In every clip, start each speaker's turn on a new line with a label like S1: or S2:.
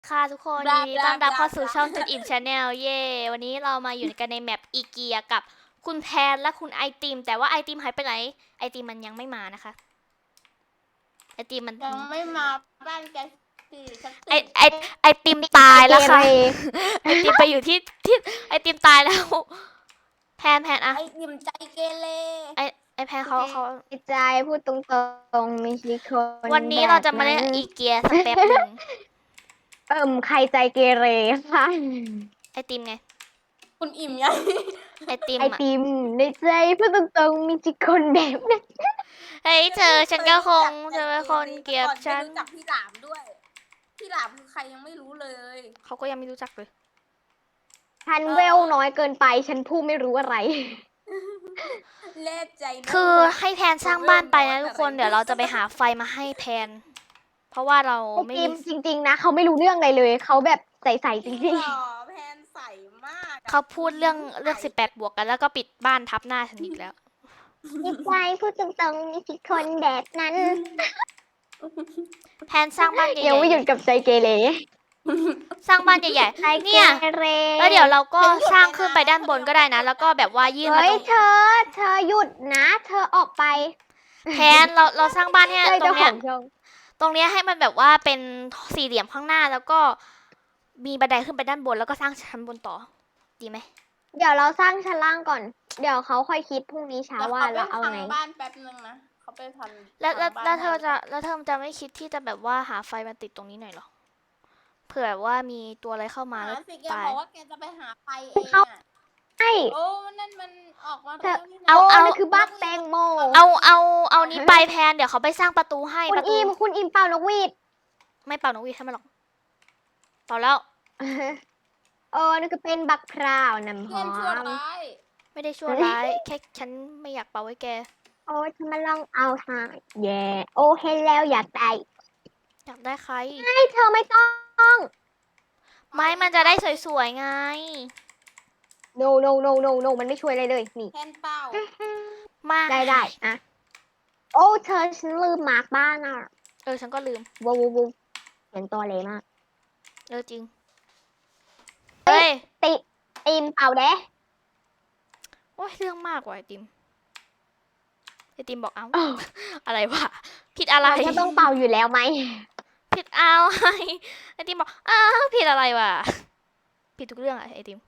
S1: ค่ะทุกคน
S2: บลา
S1: ยินดี
S2: บลา
S1: ต้อนรับเข้าสู่
S2: บลา
S1: ช่องจุดอิ่มชาแนลเย่วันนี้เรามาอยู่กันในแมปอีเกียกับคุณแพนและคุณไอติมแต่ว่าไอติมหายไปไหนไอติมมันยังไม่มานะคะไอติมมัน
S2: ยังไม่มาบ้านแกสิสัก
S1: ไอ
S2: ตื่น
S1: ไอไอติมตาย
S3: เก
S1: แล้ว
S3: เร
S1: ค่ะไอติมไปอยู่ที่ไอติมตายแล้วแพนอะ
S2: ไอ้ยิ่มใจเกเร
S1: ไอแพนเขา
S3: ใจพูดตรงๆไม่ใช่คน
S1: วันนี้
S3: แบ
S1: เรา
S3: บ
S1: จะมา
S3: นั้น
S1: เล่นอีเกียสักแป๊บหนึ่ง
S3: ใครใจเกเรค่ะ
S1: ไอติมไง
S2: คุณอิ่มยัง
S1: ไอติม
S3: ไอ
S1: อะ
S3: ติมในใจพูดตรงๆมีจิคนแบบนั้น
S1: เฮ้ยเธอฉันก็คงเธอเป็นคนเกลียด
S2: แต่ก่อนไม่
S1: ฉัน
S2: รู้จักพี่หลามด้วยพี่หลามคือใครยังไม่รู้เลย
S1: เขาก็ยังไม่รู้จักเลย
S3: ฉันเวลน้อยเกินไปฉันพูดไม่รู้อะไร
S2: เล่ใจนะ
S1: คือ
S2: ว่า
S1: ให้แพนสร้างบ้านไปนะทุกคนเดี๋ยวเราจะไปหาไฟมาให้แพนเพราะว่าเรา
S3: ไอ
S1: ไม่มี
S3: ติมจริงๆนะเขาไม่รู้เรื่องอะไรเลยเขาแบบใสๆ
S2: จริง
S3: จริง
S2: เหรอแพนใสมากอะ
S1: เขาพูดเรื่อง18 บวกกันแล้วก็ปิดบ้านทับหน้าฉันอีกแล้ว
S3: ๆมีใจพูดตรงๆมีจิคนแบบนั้น
S1: แพนสร้างบ้านให
S3: ยัง
S1: ญ่ๆ
S3: ไม่หยุด
S1: เลย
S3: กับใจเกเร
S1: สร้างบ้านใหญ่
S3: ใจ
S1: ๆ
S3: เก
S1: เนี่ย
S3: เร
S1: แล้วเดี๋ยวเราก็สร้างขึ้นไปด้านบนก็ได้นะแล้วก็แบบว่ายื่นมา
S3: เฮ้ย
S1: ตรง
S3: เธอหยุดนะ เธอออกไป
S1: แพนเราสร้างบ้านให้
S3: เลย
S1: ตร
S3: เจ้า
S1: ง
S3: ข
S1: เนี้ย
S3: องช่อง
S1: ตรงเนี้ยให้มันแบบว่าเป็นสี่เหลี่ยมข้างหน้าแล้วก็มีบันไดขึ้นไปด้านบนแล้วก็สร้างชั้นบนต่อดีไหม
S3: เดี๋ยวเราสร้างชั้นล่างก่อน เดี๋ยวเขาค่อยคิดพรุ่งนี้เช้า
S2: เดี๋ยว
S3: ว่า
S2: เขาไป
S3: เราเอา
S2: พัง
S3: ไง
S2: บ้านแป๊บนึงนะเขาไปพัง
S1: แล้ว
S2: พั
S1: แล้
S2: ง
S1: ว
S2: บ้าน
S1: แล้วเธอ
S2: ให้
S1: จะแล้วเธอจะไม่คิดที่จะแบบว่าหาไฟมาติดตรงนี้หน่อยเหรอเผื่อว่ามีตัวอะไรเข้ามา
S2: หา
S1: แล้ว
S2: สิแก
S1: ตาย
S2: บอกว่าแกจะไปหาไฟเองอะ
S3: ใช่
S2: โอ้นั่นมันออกมา
S3: เธอ
S2: แล้วนี่นะ
S1: เอา
S3: นั่นคือบักแตงโม
S1: เอานี้ไปแพนเดี๋ยวเขาไปสร้างประตูให้
S3: คุ
S1: ป
S3: ณ
S1: ระตู
S3: อิมคุณอิมเป่านกหวีด
S1: ไม่เป่านกหวีดให้มันหรอกเป่าแล้ว
S3: นั่นคือเป็นบักพร้าวน้ำห
S2: เพื่อน
S3: อ
S2: ชั่ว
S3: ม
S2: ร้าย
S1: ไม่ได้ชั่วร้ายแค่ฉันไม่อยากเป่าไว้แก
S3: โอ้ยเธอมาลองเอาทางแย่โอ้เห็นแล้วอยากได้
S1: อยากได้ใคร
S3: ให้เธอไม่ต้อง
S1: ไม้มันจะได้สวยๆไง
S3: no no no no no มันไม่ช่วยอะไรเลยนี่
S2: แทนเป้า
S1: มา
S3: ได้อะโอ้เธอฉันลืมมาร์กบ้านอ่ะ
S1: ฉันก็ลืม
S3: วูวูวูเสียงตัวเลยมาก
S1: จริงเฮ้ย
S3: ตีมเป่าเด้
S1: โอ้ยเรื่องมากว่ะไอติมบอกเอ้า
S3: อ้าว
S1: อะไรวะผิดอะไร
S3: เราก็ต้องเป่าอยู่แล้วไหม
S1: ผิดอะไรไอติมบอกอ้าวผิดอะไรวะผิดทุกเรื่องอะไอติม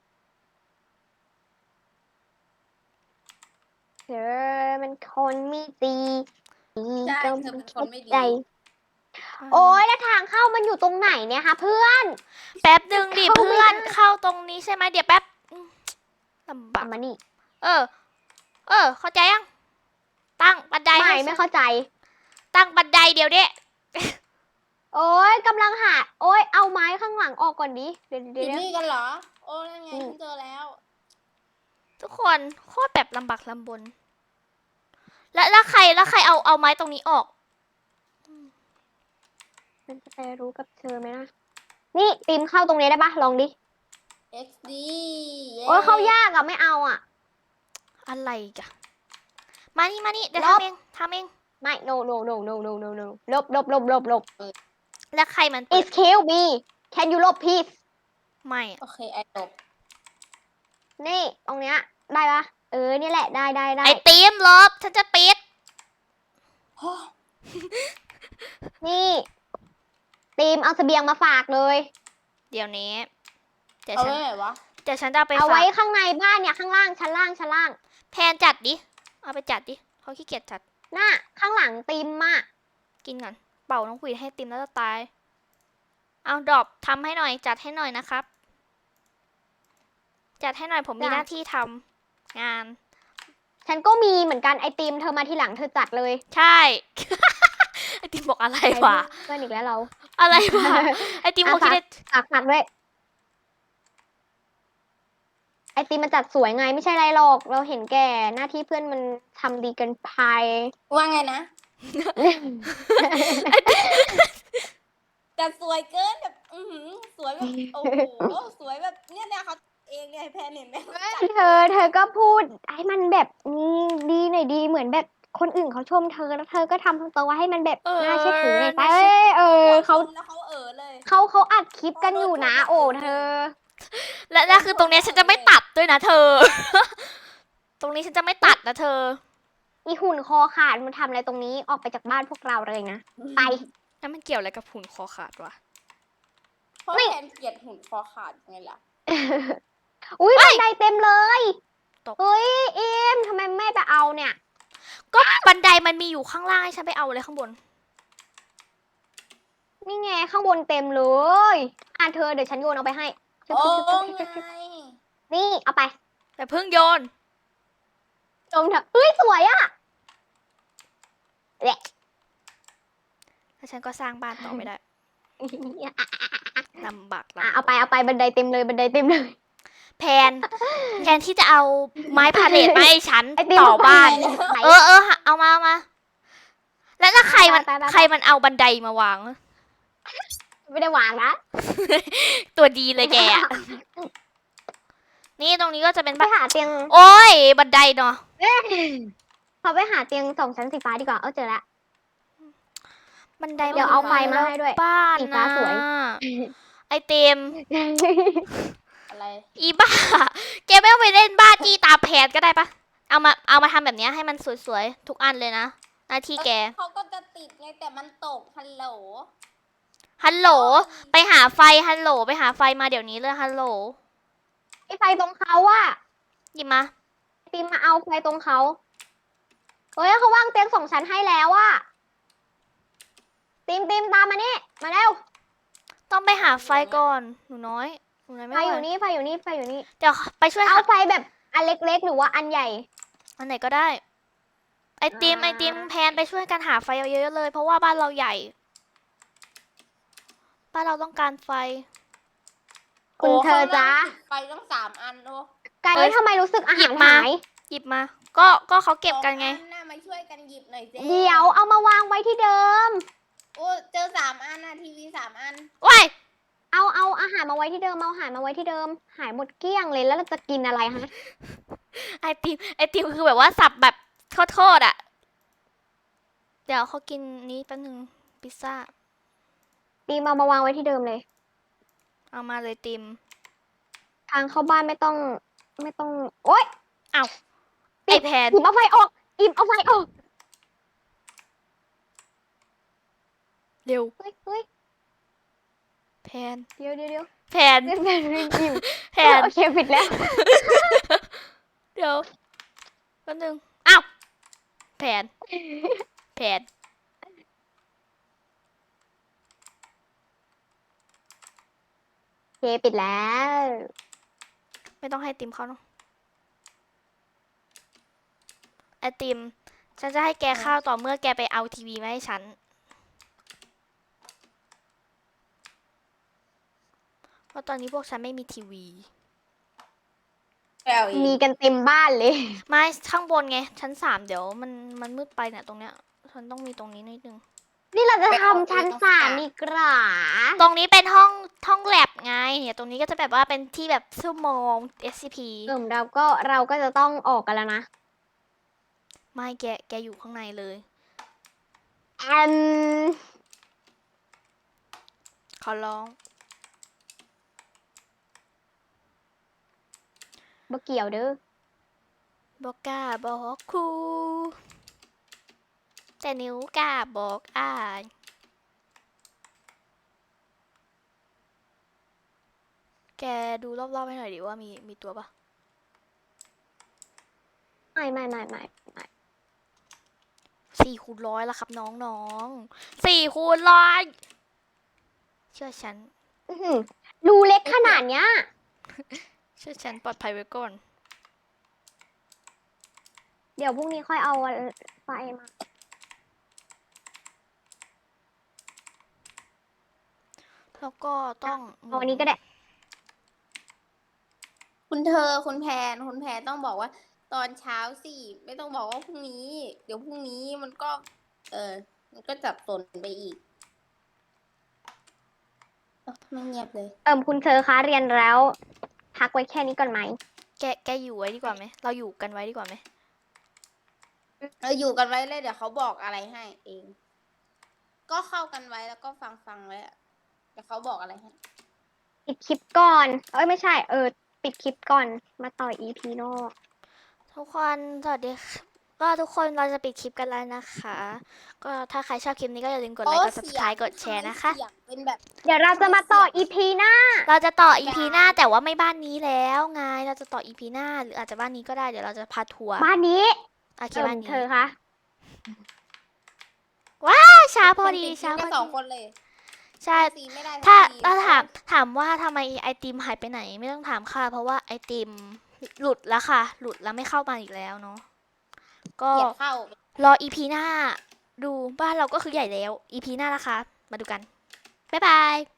S3: เธอมันคนไม่ดี
S2: ใช่
S3: ก็
S2: เธอเป็นคนไม่ดี
S3: ใจโอ้ยแล้วทางเข้ามันอยู่ตรงไหนเนี่ยคะเพื่อน
S1: แป๊บหนึ่งดิ
S3: เข้าไม่
S1: เพื่อน
S3: ได้
S1: เข้าตรงนี้ใช่ไหมเดี๋ยวแป๊บลำบาก
S3: มานี่
S1: เออเข้าใจยังตั้งบันได
S3: ไม่
S1: ให้
S3: ไม่เข้าใจ
S1: ตั้งบันไดเดี๋ยวเนี้
S3: โอ้ยกำลังหาโอ้ยเอาไม้ข้างหลังออกก่อนดิเดี๋ยว
S2: อ
S3: เดี๋ยว
S2: ยู่
S3: เดี๋ยว
S2: นี่กันเหรอ โอ้นั่นไงฉันเจอแล้ว
S1: ทุกคนโคตรแบบลำบากลำบนแล้วใครเอาไม้ตรงนี้ออก
S3: มันจะไปรู้กับเธอไหมนะนี่ตีมเข้าตรงนี้ได้ปะลองดิ
S2: XD
S3: โอ้ยเข้ายากอะไม่เอาอะ
S1: อะไรกะมานี่เดี๋ยว
S3: ลบ
S1: ทำเอง
S3: ไม่ no no no no no no no ลบ
S1: แล้วใครมันเปิด
S3: excuse me can you ลบ please
S1: ไม่อะ
S2: โอเคไอ้จบ
S3: นี่ตรงเนี้ยได้ปะนี่แหละได้
S1: ไอติมลบฉันจะปิด
S3: นี่ตีมเอาเสบียงมาฝากเลย
S1: เดี๋ยวนี้เดี๋ยว
S2: เอา
S1: ฉัน
S2: ไว้ไหนวะ
S1: เดี๋ยวฉันจะเอาไป
S3: เอา
S1: ฝา
S3: ไว้
S1: ก
S3: ข้างในบ้านเนี่ยข้างล่างชั้นล่าง
S1: แพนจัดดิเอาไปจัดดิเขาขี้เกียจจัด
S3: น่ะข้างหลังตีมอะ
S1: กินก่อนเป่าน้องขวีดให้ติมแล้วจะตายเอาดรอปทำให้หน่อยจัดให้หน่อยนะครับ จัดให้หน่อยผมมีหน้าที่ทำงาน
S3: ฉันก็มีเหมือนกันไอตีมเธอมาทีหลังเธอจัดเลย
S1: ใช่ ไอติมบอกอะไรวะ
S3: เพื่อนอีกแล้วเรา
S1: อะไรวะไอติมเขาคิดได้
S3: ฝากด้วยไอตีมมันจัดสวยไงไม่ใช่ไรหรอก เราเห็นแก่หน้าที่เพื่อนมันทำดีเกินไป
S2: ว่าไงนะแต่สวยเกินแบบสวยแบบโอ้โหสวยแบบเนี่ยเขาเองไงแพนเห็นไหม
S3: เธอก็พูดให้มันแบบดีหน่อยดีเหมือนแบบคนอื่นเขาชมเธอแล้วเธอก็ทำตัวให้มันแบบ
S1: เออ
S3: น่าเชื่อถือหน่อยไป
S1: น่าเชื่อ
S3: เขา
S2: แล้วเขาเลย
S3: เขาอัดคลิปกันอยู่นะ โอ้เธอ
S1: และคือตรงเนี้ยฉันจะไม่ตัดด้วยนะเธอ ตรงนี้ฉันจะไม่ตัดนะเธอ
S3: อีหุ่นคอขาดมันทำอะไรตรงนี้ออกไปจากบ้านพวกเราเลยนะ ไป
S1: แล้วมันเกี่ยวอะไรกับหุ่นคอขาดวะ
S2: เพราะแทนเกลียดหุ่นคอขาดไงล่ะ
S3: อุ้ยบันไดเต็มเลย
S1: ตก
S3: เฮ้ยอิมทำไมไม่ไปเอาเนี่ย
S1: ก็บันไดมันมีอยู่ข้างล่างให้ฉันไปเอาเลยข้างบน
S3: นี่ไงข้างบนเต็มเลยเธอเดี๋ยวฉันโยนเอาไปให้ชึบ
S2: โอ้
S3: ชึบชึบชึบชึบ
S2: ไง
S3: นี่เอาไป
S1: แต่เพิ่งโยน
S3: ชมเถอะเฮ้ยสวยอะแหละ
S1: แล้วฉันก็สร้างบ้านต่อไม่ได้ลำบาก
S3: เอาไปบันไดเต็มเลยบันไดเต็มเลย
S1: แพนที่จะเอาไม้พาเลทมาให้ฉัน
S3: ไอติม
S1: ต่อบ้าน
S3: ไป
S1: เออเอามา แล้วใครมัน
S3: ไป
S1: ใครมันเอาบันไดมาวาง
S3: ไม่ได้วางนะ
S1: ตัวดีเลยแกอะนี่ตรงนี้ก็จะเป็น
S3: ไป
S1: บ้าน
S3: หาเตียง
S1: โอ้ยบันไดเนาะ
S3: พอไปหาเตียง2 ชั้นสีฟ้าดีกว่าเจอละ
S1: บันได
S3: เดี๋ยวเอาไฟมาให้ด้วย
S1: บ้าน
S3: สีฟ้า
S1: นะ
S3: สวย
S1: ไอเต็ม
S2: อะไร
S1: อีบ้า แกไม่ต้องไปเล่นบ้าจี้ตามแผนก็ได้ปะเอามาทำแบบเนี้ยให้มันสวยๆทุกอันเลยนะหน้าที่แก
S2: เขาก็จะติดไงแต่มันตกฮัลโหล
S1: ฮัลโหลไปหาไฟฮัลโหลไปหาไฟมาเดี๋ยวนี้เลยฮัลโหล
S3: ไอไฟตรงเขาอะ
S1: หยิบมา
S3: ติมมาเอาไฟตรงเขาเฮ้ยเขาวางเตียง2 ชั้นให้แล้วอะติมตามมานี่มาเร็ว
S1: ต้องไปหาไฟก่อนหนูน้อยไม่
S3: ไฟ
S1: ไหว
S3: อยู่นี่ไฟอยู่นี่ไฟอยู่นี่
S1: เดี๋ยวไปช่วย
S3: เอา
S1: หา
S3: ไฟแบบอันเล็กๆหรือว่าอันใหญ่
S1: อันไหนก็ได้ ไอติมแพนไปช่วยกันหาไฟเอาเยอะๆเลย เพราะว่าบ้านเราใหญ่ บ้านเราต้องการไฟ
S3: คุณเธอจ๊ะ
S2: ไปต้อง3 อันโอ้
S3: ไก่
S1: เอ้ย
S3: ทำไมรู้สึกอา
S1: หยิ
S3: หาร
S1: บมา
S3: หาย
S1: หยิบมา ก็เขาเก็บกันไง
S2: 2 อันน่ะมาช่วยกันหยิบหน่อยสิ
S3: เดี๋ยวเอามาวางไว้ที่เดิม
S2: โอ้เจอ3 อันนะทีวี3 อัน
S1: ว้าย
S3: เอาอาหารมาไว้ที่เดิมเอาอาหารมาไว้ที่เดิม หายหมดเกลี้ยงเลยแล้วเราจะกินอะไรฮะ
S1: ไอติมคือแบบว่าสับแบบโทษอ่ะ เดี๋ยวเขากินนี้แป๊บนึงพิซซ่า
S3: ตีมาวางไว้ที่เดิมเลย
S1: เอามาเลยติม
S3: ทางเข้าบ้านไม่ต้องโอ๊ย
S1: ไอแพน
S3: อิ่มเอาไฟออกอิ่มเอาไฟออก
S1: เร็ว
S3: เฮ้ย
S1: แพน
S3: เดี๋ยว
S1: แพน
S3: เล่นแบบอิ่ม
S1: แพน
S3: โอเคผิดแล้ว
S1: เดี๋ยวแป๊บนึงอ้าวแพนแพน
S3: โอเคปิดแล้ว
S1: ไม่ต้องให้ติมเขาเนาะไอติม ฉันจะให้แกข้าวต่อเมื่อแกไปเอาทีวีมาให้ฉัน เพราะตอนนี้พวกฉันไม่มีทีวี
S2: แปลอี
S3: มี
S2: ก
S3: กันเต็มบ้านเลย
S1: ไม่ข้างบนไง ชั้น 3 เดี๋ยวมันมืดไปเนี่ยตรงเนี้ย ฉันต้องมีตรงนี้นิดนึง
S3: นี่เราจะทำชั้น3ดีกว่า
S1: ตรงนี้เป็นห้องแลบไงเนี่ยตรงนี้ก็จะแบบว่าเป็นที่แบบชั่วโมง SCP
S3: เราก็จะต้องออกกันแล้วนะ
S1: ไม่แกอยู่ข้างในเลย
S3: อืม
S1: ขอร้อง
S3: บ่เกี่ยวเด้อ
S1: บอกกล้าบอกครูแต่นิ้วกล้าบอกอ้ายแกดูรอบๆให้หน่อยดิว่ามีตัวปะ
S3: ไม่
S1: 4x100ละครับน้อง4x100เชื่อฉัน
S3: อื้อหือรูเล็กขนาดเนี้ย
S1: เชื่อฉันปลอดภัยไว้ก่อน
S3: เดี๋ยวพรุ่งนี้ค่อยเอาไฟมา
S1: แล้วก็ต้อง
S3: เอาวันนี้ก็ได้
S2: คุณแพนต้องบอกว่า ตอนเช้าสิไม่ต้องบอกว่าพรุ่งนี้ เดี๋ยวพรุ่งนี้มันก็ มันก็จับตนไปอีกไม่เงียบเลย
S3: คุณเธอคะเรียนแล้ว พักไว้แค่นี้ก่อนไหม
S1: แกอยู่ไว้ดีกว่าไหมเราอยู่กันไว้ดีกว่าไหม
S2: อยู่กันไว้เลยเดี๋ยวเขาบอกอะไรให้เอง ก็เข้ากันไว้แล้วก็ฟังไว้อะเดี๋ยวเขาบอกอะไรให้
S3: ปิดคลิปก่อน เอ้ยไม่ใช่ ปิดคลิปก่อน มาต่อ EP นอก
S1: ทุกคนสวัสดีค่ะก็ทุกคนเราจะปิดคลิปกันแล้วนะคะ ก็ถ้าใครชอบคลิปนี้ก็อย่าลืมกดไลค์กด subscribe กดแชร์นะคะ
S2: เสียงเป็นแบบ
S3: เดี๋ยวเราจะมาต่อ EP หน้า
S1: เราจะต่อ EP หน้าแต่ว่าไม่บ้านนี้แล้วไงเราจะต่อ EP หน้าหรืออาจจะบ้านนี้ก็ได้เดี๋ยวเราจะพาทัวร์
S3: บ้านนี้
S1: โอเคบ้านนี้
S3: เธอคะ
S1: ช้าพอดี
S2: มันติ
S1: ช้า
S2: แค่
S1: พอ
S2: สอง
S1: ดี
S2: คนเลย
S1: ใช่
S2: ซีไม่ได้
S1: ถ้า
S2: ทั้งที
S1: ถามว่าทำไมไอติมหายไปไหนไม่ต้องถามค่ะ เพราะว่าไอติมหลุดแล้วค่ะ หลุดแล้วไม่เข้ามาอีกแล้วเนาะก็
S2: เกลียดเข้า
S1: รอ EP หน้า ดูบ้านเราก็คือใหญ่แล้ว EP หน้านะคะ มาดูกัน บ๊ายบาย